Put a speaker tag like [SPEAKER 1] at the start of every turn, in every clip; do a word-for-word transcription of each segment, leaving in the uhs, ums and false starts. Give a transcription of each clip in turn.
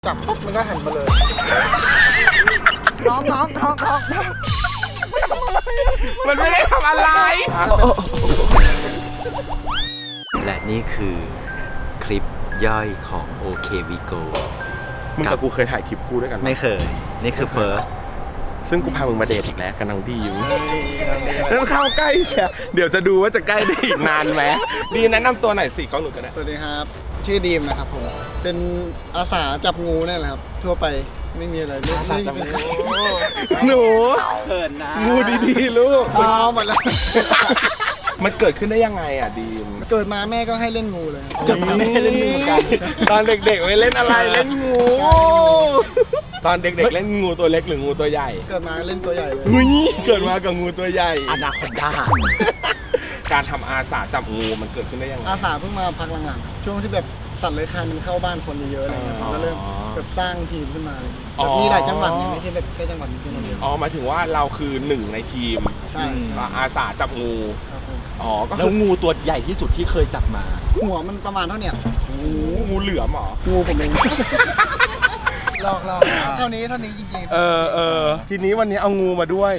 [SPEAKER 1] จับปุ๊บมันก็หันมาเลยน้องน้องน้องน้อง
[SPEAKER 2] มันไม่ได้ทำอะไร
[SPEAKER 3] และนี่คือคลิปย่อยของ โอ เค วี โก
[SPEAKER 2] มึงกับกูเคยถ่ายคลิปคู่ด้วยกัน
[SPEAKER 3] ไม่เคย นี่คือ first
[SPEAKER 2] ซึ่งกูพามึงมาเดทอีกแล้วกับน้องดีอยู่แล้วเข้าใกล้เชียเดี๋ยวจะดูว่าจะใกล้ได้อีกนานไหมดีแนะนำตัวหน่อยสิกล้องหนูกันนะ
[SPEAKER 1] สวัสดีครับชื่อดีมนะครับผมเป็นอาสาจับงูนี่แหละครับทั่วไปไม่มีอะไรอาสาจับงู
[SPEAKER 2] หนู
[SPEAKER 3] เขินนะ
[SPEAKER 2] งูดีๆลูก
[SPEAKER 1] อ๋อหมดแล้ว
[SPEAKER 2] มันเกิดขึ้นได้ยังไงอ่ะดีม
[SPEAKER 1] เกิดมาแม่ก็ให้เล่นงูเลยเกิดมาแม่ให้เล่นงูเหมือนกัน
[SPEAKER 2] ตอนเด็กๆไม่เล่นอะไรเล่นงูตอนเด็กๆเล่นงูตัวเล็กหรืองูตัวใหญ่
[SPEAKER 1] เกิดมาเล่นตัวใหญ่เลย
[SPEAKER 2] อุ้ยเกิดมากับงูตัวใหญ่
[SPEAKER 3] อนาคอนดา
[SPEAKER 2] การทำอาสาจับงูมันเกิดขึ้นได้ยังไง
[SPEAKER 1] อาสาเพิ่งมาพักหลังๆช่วงที่แบบสัตว์เลื้อยคลานมันเข้าบ้านคนเยอะๆอะไรเงี้ยก็เริ่มแบบสร้างทีมขึ้นมาแบบมีหลายจังหวัดไม่ใช่แบบแค่จังหวัดนี้จังหวัดเดียว
[SPEAKER 2] อ๋อหมายถึงว่าเราคือหนึ่งในทีม
[SPEAKER 1] ใช่
[SPEAKER 2] อาสาจับงูอ๋อก็
[SPEAKER 3] แล้วงูตัวใหญ่ที่สุดที่เคยจับมา
[SPEAKER 1] หัวมันประมาณเท่าเนี้ย
[SPEAKER 2] งูงูเหลือมหรอ
[SPEAKER 1] งูผมเองลอกลอกเท่านี้เท่านี้จริงๆ
[SPEAKER 2] เออเออทีนี้วันนี้เอางูมาด้วย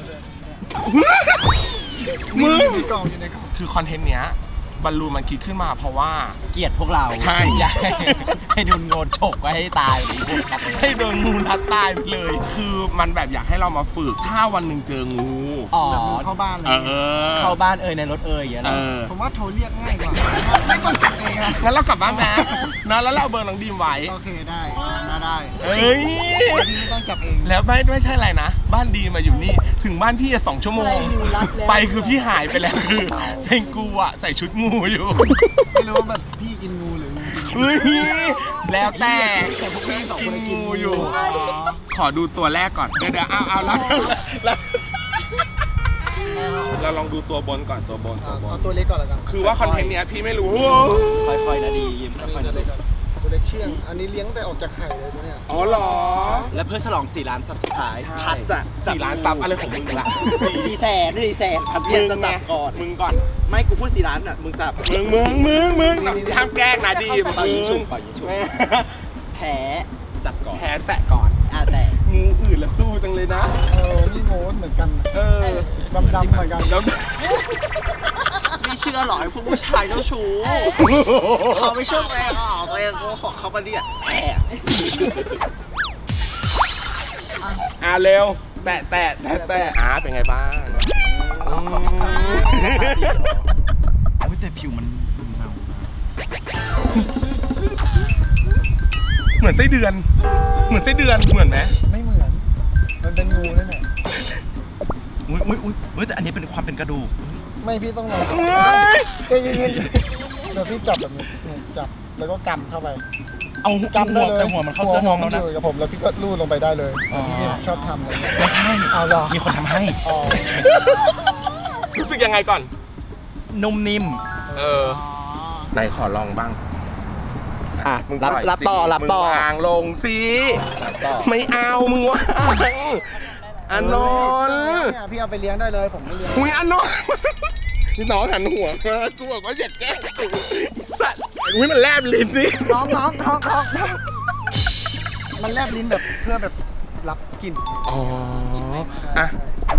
[SPEAKER 1] มึงในกล่องอยู่ในกล่อง
[SPEAKER 2] คือคอนเทนต์เนี้ยบอลลูนมันคิดขึ้นมาเพราะว่า
[SPEAKER 3] เกลียดพวกเรา
[SPEAKER 2] ใช่
[SPEAKER 3] ให้โดนงูฉกไว้ให้ตาย
[SPEAKER 2] ให้โดนงูรัดตายไปเลยคือมันแบบอยากให้เรามาฝึกถ้าวันหนึ่งเจองู
[SPEAKER 3] อ๋อ
[SPEAKER 1] เข้าบ้านเลย
[SPEAKER 3] เข้าบ้านเอ่ยในรถเอ่ยอย่างนั้น
[SPEAKER 1] ผมว่าโทรเรียกง่ายกว่าไม่ต้องจับเองอะ
[SPEAKER 2] งั้นเรากลับบ้านนะนะแล้วเราเบอร์น้องดีมไว้
[SPEAKER 1] โอเคได้น่าได้
[SPEAKER 2] เอ้ย
[SPEAKER 1] ไม่ต้องจับเอง
[SPEAKER 2] แล้วไม่ไม่ใช่อะไรนะบ้านดีมาอยู่นี่ถึงบ้านพี่สองชั่วโมงไปคือพี่หายไปแล้วคือเพลงกูอะใส่ชุดงูอยู่
[SPEAKER 1] ไม่รู้ว่าแบบพี่กินงูหรืองู
[SPEAKER 2] เฮ้ยแล้วแต่พี่กินงูอยู่ขอดูตัวแรกก่อนเดี๋ยวเดี๋ยวเอาเอาแล้วเราลองดูตัวบนก่อนตัวบนตัวบน
[SPEAKER 1] เอาตัวเล็กก่อนแล้วกัน
[SPEAKER 2] คือว่าคอนเทนต์เนี้ยพี่ไม่รู้
[SPEAKER 3] ค่อยๆนะดียิ้มค่อยๆนะดี
[SPEAKER 1] ตัวเล็กเชื่องอันนี้เลี้ยงแต่ออกจากไข่เลยตัวเนี้ย
[SPEAKER 2] อ๋อเหรอ
[SPEAKER 3] และเพื่อฉลองสี่ล้านซับสไครบ์พัดจะ
[SPEAKER 2] สี่ล้านซับอะไรของมึงล่ะ
[SPEAKER 3] สี่แสนสี่แสนพัดเพียงจะจับก่อน
[SPEAKER 2] มึงก่อน
[SPEAKER 3] ไม่กูพูดสี่ล้านอ่ะมึงจับ
[SPEAKER 2] มึงมึงมึงมึงทำแกล้งนะดี
[SPEAKER 3] ปล่อยยิงฉุบปล่อยยิงฉุบแพ้จับก่อน
[SPEAKER 2] แพ้แตะก่อน
[SPEAKER 3] อ่ะแตะ
[SPEAKER 2] งูอื่นละสู้จังเลยนะ
[SPEAKER 1] เออนี่โง่เหมือนกัน
[SPEAKER 2] เออ
[SPEAKER 1] ดำดำเหมือนกัน
[SPEAKER 3] แล้วไม่เชื่อหรอไอ้พวกผู้ชายเจ้าชู้เขาไม่เชื่อแรงอ่ะแรงกูขอเขามาเนี่ยแอบ
[SPEAKER 2] อ่ะเร็วแตะแตะแตะแตะอ่ะเป็นไงบ้าง
[SPEAKER 3] แต่ผิวมันเงา
[SPEAKER 2] เหมือนไส้เดือนเหมือนไส้เดือนเหมือนไหม
[SPEAKER 1] ไม่เหมือนมันเป็นงูนั่นแหละ
[SPEAKER 3] อุ้ยอุ้ยอุ้ยแต่อันนี้เป็นความเป็นกระดูก
[SPEAKER 1] ไม่พี่ต้องลองใจเย็นๆเดี๋ยวพี่จับแบบนี้จับแล้วก็กำเข้าไป
[SPEAKER 3] เอากำได้เลยแต่หัวมันเข้าเสื้อน้องแล้วนะ
[SPEAKER 1] กับผมแล้วพี่ก็ลูดลงไปได้เลยพี่ชอบทำอะไรเงี้ย
[SPEAKER 3] ไม่ใช่
[SPEAKER 1] เอาหรอ
[SPEAKER 3] มีคนทำให้
[SPEAKER 2] รู้สึกยังไงก่อน
[SPEAKER 3] นุ่มนิ่ม
[SPEAKER 2] เออไหนขอลองบ้าง
[SPEAKER 3] อ่ะรับรับต่อรับต่อ
[SPEAKER 2] วางลงสิไม่เอามึงวางอันนน
[SPEAKER 1] เนี่ยพี่เอาไปเลี้ยงได้เลยผมไม่เลี้ยง
[SPEAKER 2] อุ้ยอันนนนี่น้องหันหัวมากูบอกว่าอย่าแกล้งกูสัตว์อุ้ยมันแลบลิ้นนี่
[SPEAKER 1] น้องน้องน้องน้องมันแลบลิ้นแบบเพื่อแบบรับกลิ่น
[SPEAKER 2] อ๋ออ่ะ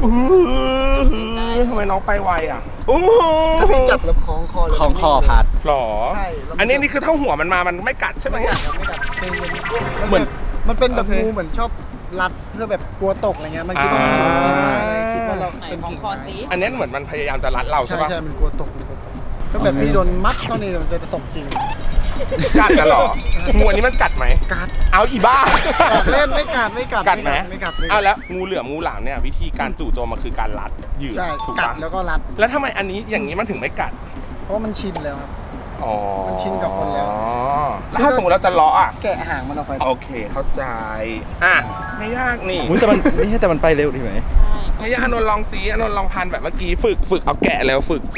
[SPEAKER 2] ทำไมน้องไปไวอ่ะโอ้
[SPEAKER 1] ถ้าพี่จับแล้วคล้องคอ
[SPEAKER 3] คล้องคอพัด
[SPEAKER 2] หรอใช่อันนี้นี่คือเท่าหัวมันมามันไม่กัดใช่ไหมอ่ะ
[SPEAKER 1] ไม่กัดเหมือนมันเป็นแบบงูเหมือนชอบรัดเพื่อแบบกลัวตกอะไรเงี้ยมันคิดว่าคิดว่าเราเป็นกิ่ง
[SPEAKER 2] อันนี้เหมือนมันพยายามจะรัดเราใช่ปะ
[SPEAKER 1] ใช่มันกลัวตกก็แบบพี่โดนมัดเท่านี้มันจะสมจริง
[SPEAKER 2] กัดกันหรองูอันนี้มันกัดไหม
[SPEAKER 1] กัด
[SPEAKER 2] เอาอีบ้า
[SPEAKER 1] เล่นไม่กัดไม่กัด
[SPEAKER 2] กัดไหม
[SPEAKER 1] ไม่กัด
[SPEAKER 2] เอาแล้วงูเหลือมงูหลามเนี่ยวิธีการจู่โจมมันคือการรัดเหยื่อ
[SPEAKER 1] ใช่กัดแล้วก็รัด
[SPEAKER 2] แล้วทำไมอันนี้อย่างนี้มันถึงไม่กัด
[SPEAKER 1] เพราะมันชินแล้วครับ
[SPEAKER 2] อ๋อ
[SPEAKER 1] มันชินกับคนแล้ว
[SPEAKER 2] แล้วถ้าสมมติเราจะเลาะอ่ะ
[SPEAKER 1] แกะหางมันออกไป
[SPEAKER 2] โอเคเข้าใจอ่ะไม่ยากนี่
[SPEAKER 3] แต่มันไม่ใช่แต่มันไปเร็วดีไหม
[SPEAKER 2] ไม่ยากอนนท์ลองซีอนนท์ลองพันแบบเมื่อกี้ฝึกฝึกเอาแกะแล้วฝึก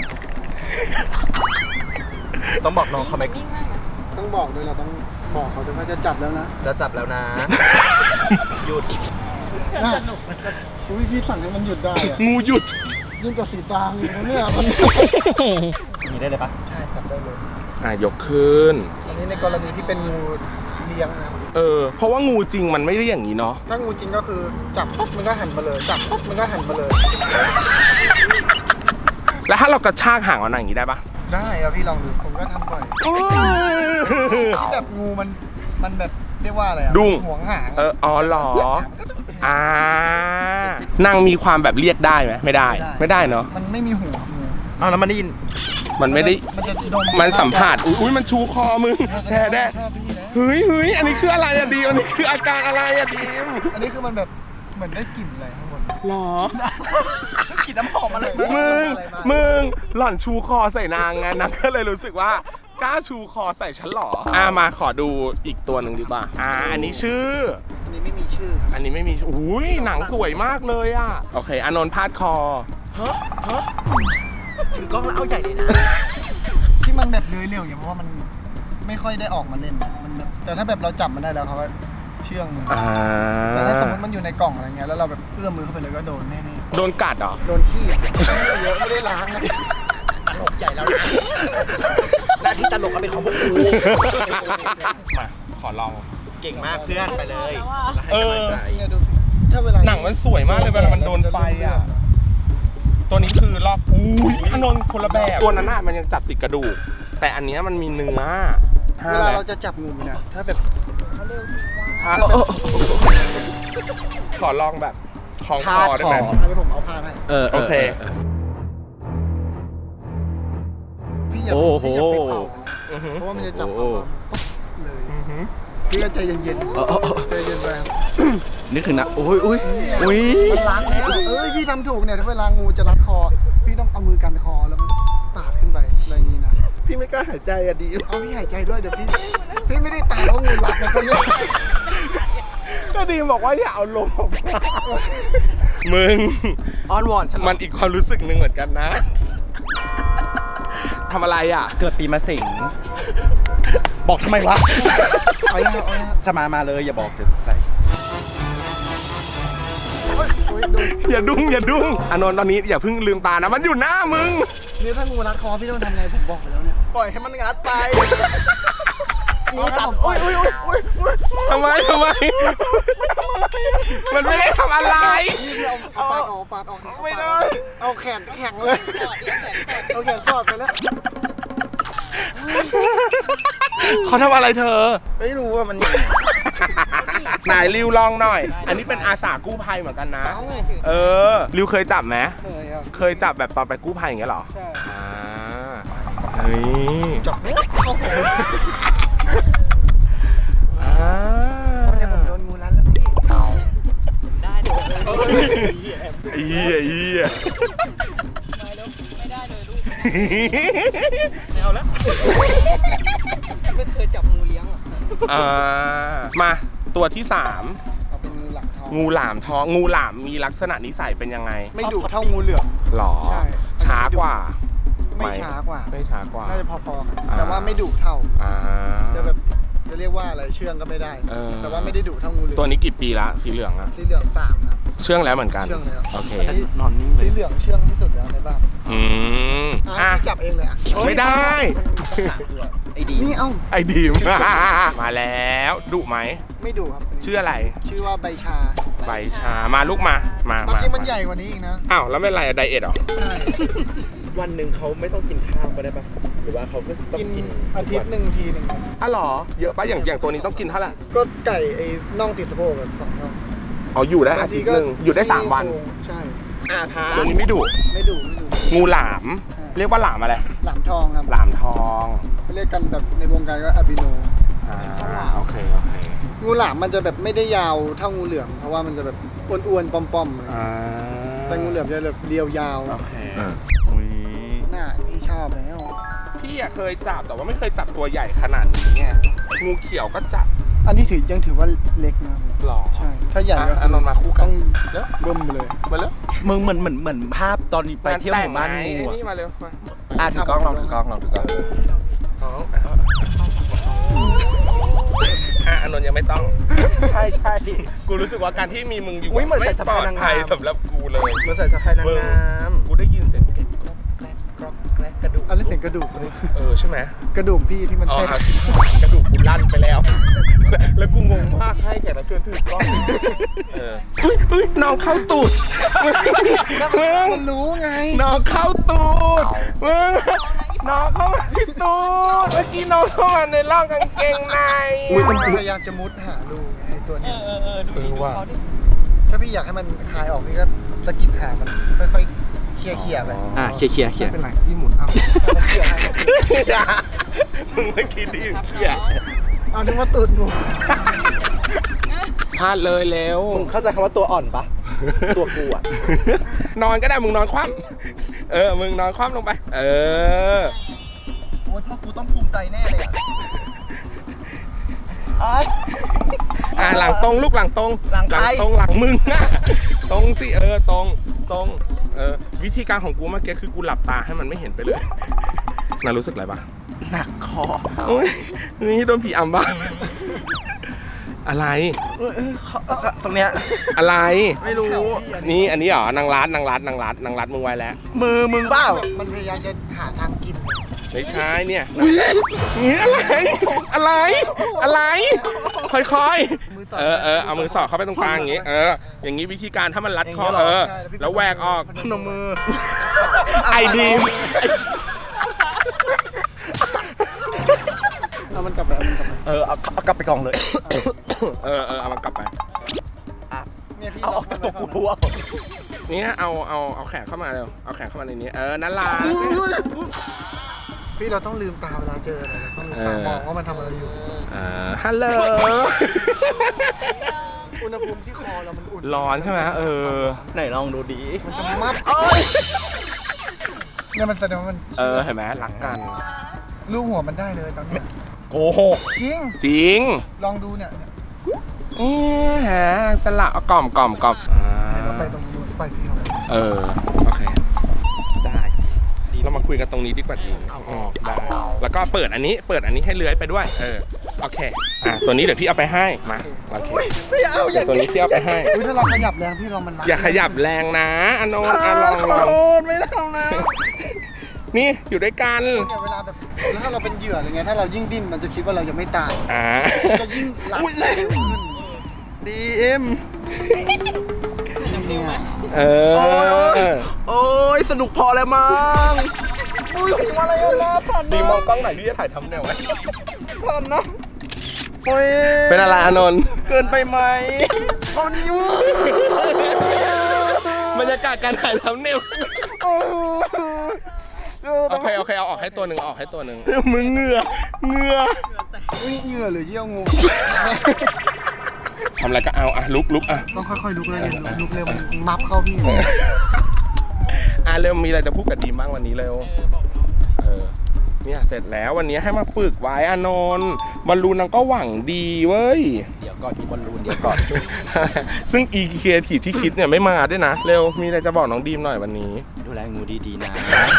[SPEAKER 3] ต้องบอกน้องเขาไหม
[SPEAKER 1] ต้องบอกด้วยเราต้องบอกเขาด้วยว่าจะจับแล้วนะ
[SPEAKER 3] จะจับแล้วนะหยุด
[SPEAKER 1] อุ้ยพี่สั่งให้มันหยุดได้
[SPEAKER 2] งูหยุด
[SPEAKER 1] ยิ่งกว่าสีตางอยู่นะเนี่ย
[SPEAKER 3] มีได้เลยปะ
[SPEAKER 1] ใช่จับได้เลย
[SPEAKER 2] อ่ะยกขึ้น
[SPEAKER 1] อันนี้ในกรณีที่เป็นงูเลี้ยงนะ
[SPEAKER 2] เอเออเพราะว่างูจริงมันไม่ได้อย่างนี้เนาะ
[SPEAKER 1] ถ้างูจริงก็คือจับปุ๊บมันก็หันมาเลยจับปุ๊บมันก็หันมาเลย
[SPEAKER 2] แล้วถ้าเรากระชากหางมันอย่างนี้ได้ปะ
[SPEAKER 1] ได้ครับพี่ลองดูผมก็ทำบ่อยที่แบบงูมันมันแบบเรียกว่าอะไรอะ
[SPEAKER 2] ดุ้ง
[SPEAKER 1] ห่วงหาง
[SPEAKER 2] เอออ๋อเหรออ่านางมีความแบบเรียกได้ไหมไม่ได้ ไม่ได้เนาะ
[SPEAKER 1] มันไม่มีหัวงู
[SPEAKER 3] อ้าวแล้วมันได้ยิน
[SPEAKER 2] มันไม่ได้
[SPEAKER 1] มันจะดม
[SPEAKER 2] มันสัมผัสอุ้ยมันชูคอมึงแช่แด้
[SPEAKER 1] ชอบพี่นะ
[SPEAKER 2] เฮ้ยเฮ้ยอันนี้คืออะไรอะดีมอันนี้คืออาการอะไรอะดีม
[SPEAKER 1] อันนี้คือมันแบบเหมือนได้กลิ่นอะไรข้างบน
[SPEAKER 2] หรอ
[SPEAKER 3] ฉีดน้ำหอมมาเลย
[SPEAKER 2] มึงมึงหล่อนชูคอใส่นางไงนางก็เลยรู้สึกว่ากล้าชูคอใส่ฉันหรออ่ามาขอดูอีกตัวหนึ่งดีกว่าอ่าอันนี้ชื่อ
[SPEAKER 1] อันนี้ไม่มีชื่อ
[SPEAKER 2] อันนี้ไม่มีอุ้ยหนังสวยมากเลยอะโอเคอานนท์พาดคอ
[SPEAKER 3] ถือกล้องแล้วเอาใหญ่เลยนะ
[SPEAKER 1] ที่มันแบบเลื้อยเร็วอย่างเพราะว่ามันไม่ค่อยได้ออกมาเล่นมันแบบแต่ถ้าแบบเราจับมันได้แล้วเขาก็เชื่องมือ
[SPEAKER 2] อ่า
[SPEAKER 1] แต่ถ้าสมมติมันอยู่ในกล่องอะไรเงี้ยแล้วเราแบบเอื้อมมือเข้าไปเลยก็โดนแน่
[SPEAKER 2] โดนกัดเหรอ
[SPEAKER 1] ๆโดนขี้เยอะไม่ได้ล้างนะ
[SPEAKER 3] ตลกใหญ่แล้วนะหน้าที่ตลกก็เป็นของพวกกู
[SPEAKER 2] มาขอลอง
[SPEAKER 3] เก่งมากเพื่อนไปเลย
[SPEAKER 2] เออ
[SPEAKER 1] เนี่ยดูถ้าเวลา
[SPEAKER 2] หนังมันสวยมากเลยเวลามันโดนไฟอ่ะ ตัวนี้คือลอกอุ้ยอานนท์คนละแบบ ตัวนั้นน่ะมันยังจับติดกระดูก แต่อันเนี้ยมันมีเนื้อ
[SPEAKER 1] เวลาเราจะจับงูเนี่ยถ้าแบบ
[SPEAKER 2] ถ้าขอลองแบบของคอได้ไหม
[SPEAKER 1] อันนี้ผมเอาผ้าให้
[SPEAKER 3] เออ
[SPEAKER 2] โอเค
[SPEAKER 1] พี่อย่า
[SPEAKER 3] โอ้โห
[SPEAKER 1] พี่อย่าไปเป่า
[SPEAKER 2] อือหือ
[SPEAKER 1] เพราะว่ามันจะจับ
[SPEAKER 3] โอ้
[SPEAKER 1] เอามาเลย
[SPEAKER 2] อือหือ
[SPEAKER 1] พี่ก็ใจเย็น
[SPEAKER 3] เออเออเออ
[SPEAKER 1] ๆใจเย็นไปครับ
[SPEAKER 3] นึกถึงนะโอ้ยอุ้ยอุ้ย
[SPEAKER 1] มันล้างแล้วเอ้ยพี่ทำถูกเนี่ยถ้าเวลางูจะรัดคอ พี่ต้องเอามือกันคอแล้วมันปาดขึ้นไปอะไรนี้นะ
[SPEAKER 3] พี่ไม่กล้าหายใจอะดี
[SPEAKER 1] เอาพี่หายใจด้วยเดี๋ยวพี่พี่ไม่ได้ตายเพราะงูรัดนะคนนี้
[SPEAKER 2] ก็ดีบอกว่าอย่าเอาลมออกมามึง
[SPEAKER 3] อ้อนวอนฉัน
[SPEAKER 2] มันอีกความรู้สึกหนึ่งเหมือนกันนะทำอะไรอ่ะ
[SPEAKER 3] เกิดปีมะเสงบอกทำไมวะ
[SPEAKER 1] เอาอย่างเอาอย่าง
[SPEAKER 3] จะมามาเลยอย่าบอกเดี๋ยวใส่
[SPEAKER 1] โอ้ยดู
[SPEAKER 2] อย่าดุ้งอย่าดุ้งอานนท์ตอนนี้อย่าเพิ่งลืมตานะมันอยู่หน้ามึง
[SPEAKER 1] นี่ถ้างูรัดคอพี่ต้องทำไงผมบอกไปแล้วเนี่ย
[SPEAKER 3] ปล่อยให้มันงัดไป
[SPEAKER 1] งูจับโอ้ยโอ้ยโอ้ยโอ้ย
[SPEAKER 2] ทำไมทำไม มันไม่ได้ทำอะไร
[SPEAKER 1] นี่พี่เอาเอาปาดออกปาดออก
[SPEAKER 2] ไม่ได้
[SPEAKER 1] เอาแขนแข็งเลยเอาแขนสอดไปแล้ว
[SPEAKER 2] เขาทำอะไรเธอ
[SPEAKER 1] ไม่รู้ว่ามัน
[SPEAKER 2] ไหนริวลองหน่อย อันนี้เป็นอาสากู้ภัยเหมือนกันนะ เออริวเคยจับไหม
[SPEAKER 1] เคยครับ
[SPEAKER 2] เคยจับแบบตอนไปกู้ภัยอย่างเงี้ยเหรอ
[SPEAKER 1] ใช่
[SPEAKER 2] อ่าเฮ้ย
[SPEAKER 1] จับเนี่ยโอ้โห
[SPEAKER 2] อ่า
[SPEAKER 1] เนี่ยผมโดนงูรัดแล้วพี่
[SPEAKER 4] ได้เดี๋ยวเลย
[SPEAKER 2] เอียเอีย
[SPEAKER 4] ไม่ได้เลยลูก
[SPEAKER 3] เอาแล้ว
[SPEAKER 4] ไม่เคยจับงูเลี้ยงอ่ะ
[SPEAKER 2] อ่ามาตัวที่สาม
[SPEAKER 1] เอาเป็นงูหลังทอง
[SPEAKER 2] งูหลามทองงูหลามมีลักษณะนิสัยเป็นยังไง
[SPEAKER 1] ไม่ดุเท่างูเหลือม
[SPEAKER 2] หรอ
[SPEAKER 1] ใช่
[SPEAKER 2] ช้ากว่า
[SPEAKER 1] ไม่ช้ากว่า
[SPEAKER 2] ไม่ช้ากว่า
[SPEAKER 1] น่าจะพอๆกัน
[SPEAKER 2] อ่า
[SPEAKER 1] แต่ว่าไม่ดุเท่า
[SPEAKER 2] อ่า
[SPEAKER 1] จะแบบจะเรียกว่าอะไรเชื่องก็ไม่ได้
[SPEAKER 2] เออ
[SPEAKER 1] แต่ว่าไม่ได้ดุเท่างูเหลือม
[SPEAKER 2] ตัวนี้กี่ปีละสีเหลืองอะ
[SPEAKER 1] สีเหลืองสามครับ
[SPEAKER 2] เชื่องแล้วเหมือนกัน
[SPEAKER 1] เชื่องแล้ว
[SPEAKER 2] โอเค
[SPEAKER 3] นอนนิ่งเล
[SPEAKER 1] สี
[SPEAKER 3] ย
[SPEAKER 1] เหลืองเชื่องที่สุดแล้วในบ้าน
[SPEAKER 2] อืม
[SPEAKER 1] อ่ะ
[SPEAKER 2] อ่ะ
[SPEAKER 1] พี่จับเองเลยอ่ะ
[SPEAKER 2] ไม่ได้
[SPEAKER 3] ไอ้ดี
[SPEAKER 1] นี่เอ้า
[SPEAKER 2] ไอ้ดีม มาแล้วดุไหม
[SPEAKER 1] ไม่ดุครับ
[SPEAKER 2] ชื่ออะไร
[SPEAKER 1] ชื่อว่าใบชา
[SPEAKER 2] ใบชามาลูกมามา
[SPEAKER 1] ตอน
[SPEAKER 2] มา
[SPEAKER 1] จริงมันใหญ่กว่านี้อีกนะ
[SPEAKER 2] อ้าวแล้วไม่ไรอะไดเอทเหรอ
[SPEAKER 1] ใช่
[SPEAKER 3] วันหนึ่งเขาไม่ต้องกินข้าวก็ได้ปะหรือว่าเขาก็ต้อง
[SPEAKER 1] กิน
[SPEAKER 3] กิน
[SPEAKER 1] อาทิตย์หนึ่งทีหนึ่ง
[SPEAKER 2] อ้าวเหรอเยอะปะอย่างอย่างตัวนี้ต้องกินเท่าไหร่
[SPEAKER 1] ก็ไก่ไอ้น่องติดสะโพกอะสองน่อง
[SPEAKER 2] อ๋ออยู่ได้อาทิตย์หนึ่งอยู่ได้สามวัน
[SPEAKER 1] ใช่
[SPEAKER 3] อาพา
[SPEAKER 2] ตัวนี้ไม่ดุ
[SPEAKER 1] ไม่ดุไม่ดุ
[SPEAKER 2] งูหลาม
[SPEAKER 1] ใช่
[SPEAKER 2] เรียกว่าหลามอะไร
[SPEAKER 1] หลามทองครับ
[SPEAKER 2] หลามทอง
[SPEAKER 1] เรียกกันแบบในวงการก็อาบิโน
[SPEAKER 2] อ่าโอเคโอเค
[SPEAKER 1] งูหลามมันจะแบบไม่ได้ยาวเท่างูเหลือมเพราะว่ามันจะแบบอ้วนๆป้อมๆเลย
[SPEAKER 2] อ่า
[SPEAKER 1] แต่งูเหลือมจะแบบเรียวยาว
[SPEAKER 2] โอเค
[SPEAKER 3] อุ้ย
[SPEAKER 1] หน้าที่ชอบแล้ว
[SPEAKER 2] พี่อะเคยจับแต่ว่าไม่เคยจับตัวใหญ่ขนาดนี้ไงงูเขียวก็จับ
[SPEAKER 1] อันนี้ถือยังถือว่าเล็กนะ
[SPEAKER 2] หรอ
[SPEAKER 1] ใช่ ถ้าใหญ่ก็
[SPEAKER 2] อ่ะอานนท์มาคู่กั
[SPEAKER 1] ต้
[SPEAKER 2] น
[SPEAKER 1] อง
[SPEAKER 2] เร็ว
[SPEAKER 1] เบิ่มไปเลย
[SPEAKER 2] มาเร็ว
[SPEAKER 3] มึงเหมือนเหมือนเหมือนภาพตอนไปเที่ยวหมู่บ้านงู
[SPEAKER 2] ไอ้
[SPEAKER 3] อะ
[SPEAKER 2] นี่มาเร็วมา
[SPEAKER 3] อ่ะถือกล้องลองถือกล้องลองถือกล้อง
[SPEAKER 2] สองอ่ะอานนท์ยังไม่ต้อง
[SPEAKER 3] ใช่ใช่
[SPEAKER 2] กูรู้สึกว่าการที่มีมึงอยู่
[SPEAKER 3] อุ๊ยเหมือนใส่
[SPEAKER 2] ไม่
[SPEAKER 3] สะ
[SPEAKER 2] ปล
[SPEAKER 3] พาย
[SPEAKER 2] อด
[SPEAKER 3] นางงาม
[SPEAKER 2] ภัยสำหรับกูเลย
[SPEAKER 3] มาใส่สะพายนางงาม
[SPEAKER 2] กูได้ยินเสียงเก็บกรอกแกรกกรอกแกรกกระ
[SPEAKER 3] ระดูก
[SPEAKER 1] อันนี้เสียงกระดูกเลย
[SPEAKER 2] เออใช่ไหม
[SPEAKER 1] กระดูกพี่ที่มัน
[SPEAKER 2] อ๋อ
[SPEAKER 1] เต้น
[SPEAKER 2] อ่ะชิบหายกระดูกกูลั่นไปแล้ว แล้วกูงงมากให้แขกรับเชิญถือกล้องเออเฮ้ยเฮ้ยน้องเข้าตูดมึง
[SPEAKER 1] มันรู้ไง
[SPEAKER 2] น้องเข้าตูดมึงน้องเข้ามาที่ตูดเมื่อกี้น้องเข้ามาในร่องกางเกงใน
[SPEAKER 1] อุ้ยมันพยายามจะมุดหารูไงไอ้ตัว
[SPEAKER 4] เอ
[SPEAKER 1] เนี้ย
[SPEAKER 4] อเออเออดูดิดูเขาดิ
[SPEAKER 1] ถ้าพี่อยากให้มันคลายออกพี่ก็สะกิดหางมันค่อยๆเคลียร์เคลียร์ไป
[SPEAKER 3] อ่ะเคลียร์เคลียร์เคลียร์
[SPEAKER 1] ไม่เป็นไรพี่หมุนเอามันเคลียร์ให้
[SPEAKER 2] มึงเมื่อกี้ที่เขีย
[SPEAKER 1] เอาถึงว่าตูดหนู
[SPEAKER 2] พลาดเลยแล้ว
[SPEAKER 3] มึงเข้าใจคำว่าตัวอ่อนปะ ตัวกูอ่ะ
[SPEAKER 2] นอนก็ได้มึงนอนคว่ำเออมึงนอนคว่ำลงไป เออ
[SPEAKER 3] โอ้ยพ่อกูต้องภูมิใจแน่เลยอ่ะ
[SPEAKER 2] อ่าหลังตรงลูกหลังตรง
[SPEAKER 3] หลังใคร
[SPEAKER 2] ตรงหลังมึงอะตรงสิเออตรงตรงเออวิธีการของกูเมื่อกี้คือกูหลับตาให้มันไม่เห็นไปเลยน่ารู้สึกอะไรปะ
[SPEAKER 3] หนักคอ
[SPEAKER 2] โอ้ยนี่โดนผีอำบ้างอะไร
[SPEAKER 3] เออเออเขาเออตรงเนี้ย
[SPEAKER 2] อะไร
[SPEAKER 3] ไม่รู้
[SPEAKER 2] นี่อันนี้เหรอนางรัดนางรัดนางรัดนางรัดมึงไว้แล้ว
[SPEAKER 3] มือมึงเปล่า
[SPEAKER 1] มันพยายามจะหาทางกิน
[SPEAKER 2] ไม่ใช่เนี่ยนี่อะไรอะไรอะไรค่อยๆเออเออเอามือสอดเข้าไปตรงกลางอย่างงี้เอออย่างงี้วิธีการถ้ามันรัดคอเออแล้วแหวกออก
[SPEAKER 3] พนมมือ
[SPEAKER 2] ไอดีม
[SPEAKER 1] เอามันกลับไปเอามันกลับไป
[SPEAKER 3] เออเอาเอากลับไปกองเลย
[SPEAKER 2] เออเออเอามันกลับไป
[SPEAKER 1] เนี่ยพี่
[SPEAKER 3] เอาออกจากตัวกูรู้อ่ะ
[SPEAKER 2] เนี่ยเอาเอาเอาแขนเข้ามาเร็วเอาแขนเข้ามาในนี้เออนั่นล่ะ
[SPEAKER 1] พี่เราต้องลืมตาเวลาเจออะไรเราต้องลืมตามองว่ามันทำอะไรอยู่
[SPEAKER 2] อ่าฮัลโหล
[SPEAKER 1] อุณหภูมิที่คอเรามันอุ่น
[SPEAKER 2] ร้อนใช่ไหมเออ
[SPEAKER 3] ไหนลองดูดี
[SPEAKER 1] มันจะมับเนี่ยมันแสดงว่ามัน
[SPEAKER 2] เออเห็นไหมรักกัน
[SPEAKER 1] ลูบหัวมันได้เลยตอนนี้
[SPEAKER 2] โกหก
[SPEAKER 1] จริง
[SPEAKER 2] จริง
[SPEAKER 1] ลองดูเนี่ยเนี่ย
[SPEAKER 2] นี่ฮะจะละเอากล่อมกล่อมกล่อม
[SPEAKER 1] ให้เราไปตรงนู้นไปพี่เขา
[SPEAKER 2] เออโอเค
[SPEAKER 3] ได้
[SPEAKER 2] เรามาคุยกันตรงนี้ดีกว่าจริงอืมได้แล้วก็เปิดอันนี้เปิดอันนี้ให้เลื้อยไปด้วยเออโอเคอ่ะตัวนี้เดี๋ยวพี่เอาไปให้มาโอเค
[SPEAKER 1] ไม่เอาอ
[SPEAKER 2] เดี๋ย
[SPEAKER 1] ย่าว
[SPEAKER 2] ตัวนี้พี่เอาไปให้
[SPEAKER 1] อุ้ยถ้าเราขยับแรงพี่เรามันรั
[SPEAKER 2] อย่าขยับแรงนะอานนท์อ่ะลองลอง
[SPEAKER 1] ไม่ได้ทำนะ
[SPEAKER 2] นี่อยู่ด้วยกัน
[SPEAKER 1] เนี่ยเวลาแบบแล้วถ้าเราเป็นเหยื่ออะไรเงี้ยถ้าเรายิ่งดิ้นมันจะคิดว่าเรายังไม่ตาย
[SPEAKER 2] อ่า
[SPEAKER 1] จะยิ่งรัดเร็วขึ้น
[SPEAKER 3] ดีเอ็ม
[SPEAKER 1] เนี่ย
[SPEAKER 2] เออ
[SPEAKER 3] โอ้ยสนุกพอแล้วมั้ง
[SPEAKER 1] อุ้ยหัวอะไรอะนะผ่าน
[SPEAKER 2] ดี
[SPEAKER 1] นะ
[SPEAKER 2] มองกล้องหน่อยที่จะถ่ายทำแนวไว้
[SPEAKER 1] ผ่านนะ
[SPEAKER 3] โอ้ย
[SPEAKER 2] เป็นอะไรอานนท์
[SPEAKER 3] เกินไปไหม
[SPEAKER 1] เอานิ้ว
[SPEAKER 2] บรรยากาศการถ่ายทำแนว
[SPEAKER 1] โอ้
[SPEAKER 2] โอเคโอเคเอาออกให้ตัวหนึ่งเอาออกให้ตัวหนึ่ง
[SPEAKER 3] มึงเหงื่อเหงื่อ
[SPEAKER 1] ยเหงื่อหรือเยี่ยวงู
[SPEAKER 2] ทำอะไรก็เอาอ่ะลุกลุกอ่ะ
[SPEAKER 1] ต้องค่อยๆลุกเลยเนี่ยลุกเลยมันมับเข้าพี่
[SPEAKER 2] อ่ะเร็วมีอะไรจะพูดกับดีมบ้างวันนี้เร็วเออเนี่ยเสร็จแล้ววันนี้ให้มาฝึกไว้อานนท์บอลลูนนางก็หวังดีเว้ย
[SPEAKER 3] เดี๋ยวก่อนอีบอลลูนเดี๋ยวก่อน
[SPEAKER 2] ซึ่งอีเคทีที่คิดเนี่ยไม่มาด้วยนะ เร็วมีอะไรจะบอกน้องดีมหน่อยวันนี้
[SPEAKER 3] ดูแลงูดีๆนะ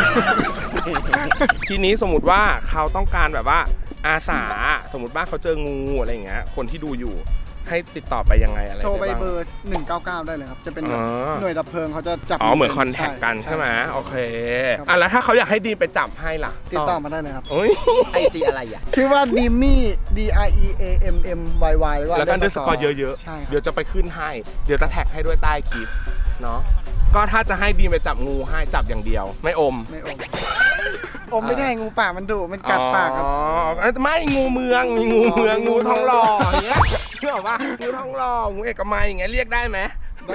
[SPEAKER 2] ทีนี้สมมติว่าเขาต้องการแบบว่าอาสาสมมติว่าเขาเจองูอะไรอย่างเงี้ยคนที่ดูอยู่ให้ติดต่อไปยังไงอะไร
[SPEAKER 1] โทรไป
[SPEAKER 2] ด้าง
[SPEAKER 1] เบอร์หนึ่งเก้าเก้าได้เลยครับ จะเป็น
[SPEAKER 2] อ๋อ
[SPEAKER 1] หน่วยดับเพลิงเขาจะจับ
[SPEAKER 2] อ๋อเหมือนคอนแทคกันใช่ไหมโอเคอ่ะแล้วถ้าเขาอยากให้ดีมไปจับให้ล่ะ
[SPEAKER 1] ติดต่อมาได้เลยครับ
[SPEAKER 2] โอ้ย
[SPEAKER 3] ไอจีอะไรอ่ะ
[SPEAKER 1] ชื่อว่าดิมมี่ D I E A M M Y Y
[SPEAKER 2] แล้วก็อันเดอร์สกอร์เยอะ
[SPEAKER 1] ใช่
[SPEAKER 2] ๆ
[SPEAKER 1] ค
[SPEAKER 2] เดี๋
[SPEAKER 1] รั
[SPEAKER 2] ย
[SPEAKER 1] บ
[SPEAKER 2] วจะไปขึ้นให้ เดี๋ยวจะแท็กให้ด้วยใต้คลิปเนาะก็ถ้าจะให้ดีมไปจับงูให้จับอย่างเดียว ไม่อม
[SPEAKER 1] ไม่อมอมไม่ได้งูป่ามันดุมันกัดปากครับ
[SPEAKER 2] อ๋อไม่งูเมืองมีงูเมืองงูทองหล่ออย่างเงี้ยเชื่อป่ะงูทองหล่องูเอกมัยอย่างเงี้ยเรียกได้ไหม
[SPEAKER 1] ได้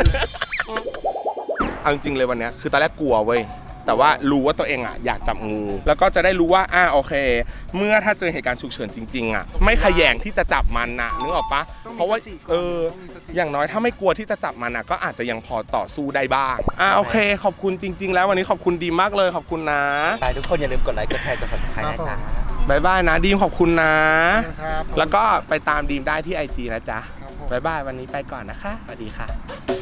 [SPEAKER 2] เอาจริงๆเลยวันเนี้ยคือตอนแรกกลัวเว้ยแต่ว่ารู้ว่าตัวเองอ่ะอยากจับงูแล้วก็จะได้รู้ว่าอ่าโอเค เมื่อถ้าเจอเหตุการณ์ฉุกเฉินจริงๆอ่ะไม่ขยงที่จะจับมันนะนึกออกปะเพราะว่าเอออย่างน้อยถ้าไม่กลัวที่จะจับมันอ่ะก็อาจจะยังพอต่อสู้ได้บ้างอ่าโอเค ขอบคุณจริง ๆ แล้ววันนี้ขอบคุณดีมากเลยขอบคุณนะ
[SPEAKER 3] ไปทุกคนอย่าลืมกดไลค์กดแชร์กด ซับสไครบ์ นะจ๊ะ
[SPEAKER 2] บายบายนะดีมขอบคุณนะ
[SPEAKER 1] ครับ
[SPEAKER 2] แล้วก็ไปตามดีมได้ที่ไอจีนะจ๊ะ
[SPEAKER 1] ครับผม
[SPEAKER 2] บายบายวันนี้ไปก่อนนะคะสวัสดีค่ะ